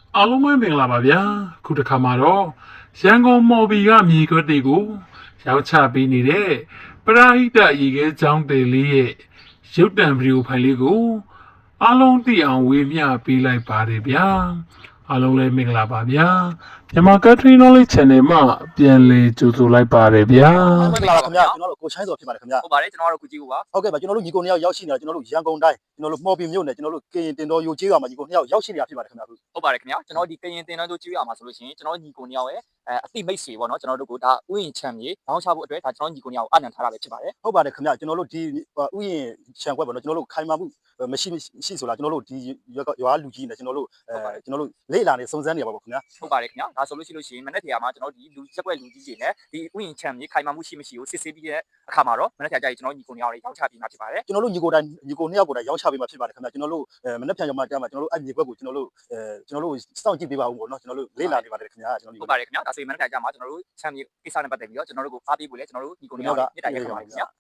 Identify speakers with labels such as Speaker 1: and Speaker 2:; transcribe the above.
Speaker 1: အားလုံးပဲမင်္ဂလာပါဗျာခုတစ်ခါမှာတော့ရန်ကုန်မော်ဘီကမြေခွက်တွေကိုရောက်ချပေးနေတဲ့ပရာဟိတရေခဲချောင်းတယ်လေးရဲ့ရုပ်တံဗီဒီယိုဖိုင်လေးကိုအားလုံးသိအောင်ဝေမျှပေးလိုက်ပါတယ်ဗျာအားလုံးလည်းမင်္ဂလာပါဗျာမြန်မာ Country Knowledge Channel မှာပြန်လည်ကြိုဆိုလိုက်ပါတယ်ဗျာ
Speaker 2: မင်္ဂလာပါခင်ဗျာကျွန်တော်တို့ကိုချိုင်းစော်ဖြစ်ပါတယ်ခင်ဗျာ
Speaker 3: ဟုတ်ပါတယ်ကျွန်တော်တို့ကုကြီးကိုပါ
Speaker 2: ဟုတ်ကဲ့ပါကျွန်တော်တို့ညီကိုနှစ်ယောက်ရောက်ရှိနေတာကျွန်တော်တို့ရန်ကုန်တိုင်းကျွန်တော်တို့မော်ပီမြို့နယ်ကျွန်တော်တို့ကရင်တင်တော်ရိုကျေးရွာမှာညီကိုနှစ်ယောက်ရောက်ရှိနေတာဖြစ်ပါတယ်ခင်ဗျာ
Speaker 3: ဟုတ်ပါတယ်ခင်ဗျာကျွန်တော်ဒီကရင်တင်တန်းတို့ကြီးရမှာဆိုလို့ရှိရင်ကျွန်တော်ညီကိုနှစ်ယောက်ရဲ့အသိမိတ်ဆွေပေါ့နော်ကျွန်တော်တို့ကဒါဥယျာဉ်ချမ်းမြေဘောင်းချဖို့အတွက်ဒါကျွန်တော်ညီကိုနှစ်ယောက်အနံထားတာပဲဖြစ်ပါတယ်
Speaker 2: ဟုတ်ပါတယ်ခင်ဗျာကျွန်တော်တို့ဒီဥယျာဉ်ခြံခွက်ပေါ့နော်ကျွန်တော်တို့ခိုင်မာမှုမရှိဆိုလားကျွန်တော်တို့ဒီရွာလူကြီးနဲ့ကျွန်တော်တို့လေ့လာနေစုံစမ်းနေပါပေါ့ခင်ဗျာ
Speaker 3: ဟုတ်ပါတယ်ခင်ဗျာဒါဆိုလို့ရှိရင်မနေ့ကမှာကျွန်တော်ဒီလူရက်ွက်လူကြီးတွေနဲ့ဒီဥယျာဉ်ချမ်းမြေခိုင်မာမှုရှိမရှိကိုစစ်ဆေးပြီးတဲ့အခါမှာတော့မနေ့ကကြာကျွန်တော်ညီကိုနှစ်ယောက်တွေရောက်ချပြီးမှဖြစ်ပါတယ်
Speaker 2: ကျွန်တော်တို့ညီကိုနှစ်ယောက်ကိုတိုင်ရောက်ချပေးမှာဖြစ်ပါတယ်ခင်ဗျာကျွန်တော်တို့မနေ့ပြန်ရောက်မှကြားမှာကျွန်တော်တို့အဲ့မြေခွက်ကိုကျွန်တော်တို့စောင့်ကြည့်ပေးပါဦးပေါ့နော်ကျွန်တော်တို့လေ့လာနေပါတယ်ခင်ဗျာကျွန်တော်
Speaker 3: ဟုတ်ပါတယ်ခင်ဗျာဒါဆိုရင်မနေ့ကကြာမှာကျွန်တော်တို့ချမ်းမြေကိစ္စနဲ့ပတ်သက်ပြီးတော့ကျွန်တော်တို့ကိုအားပေးဖို့လဲကျွန်တော်တို့ညီကိုနှစ်ယောက်တွေမြစ်တာရက်ပါပါခင်ဗျာ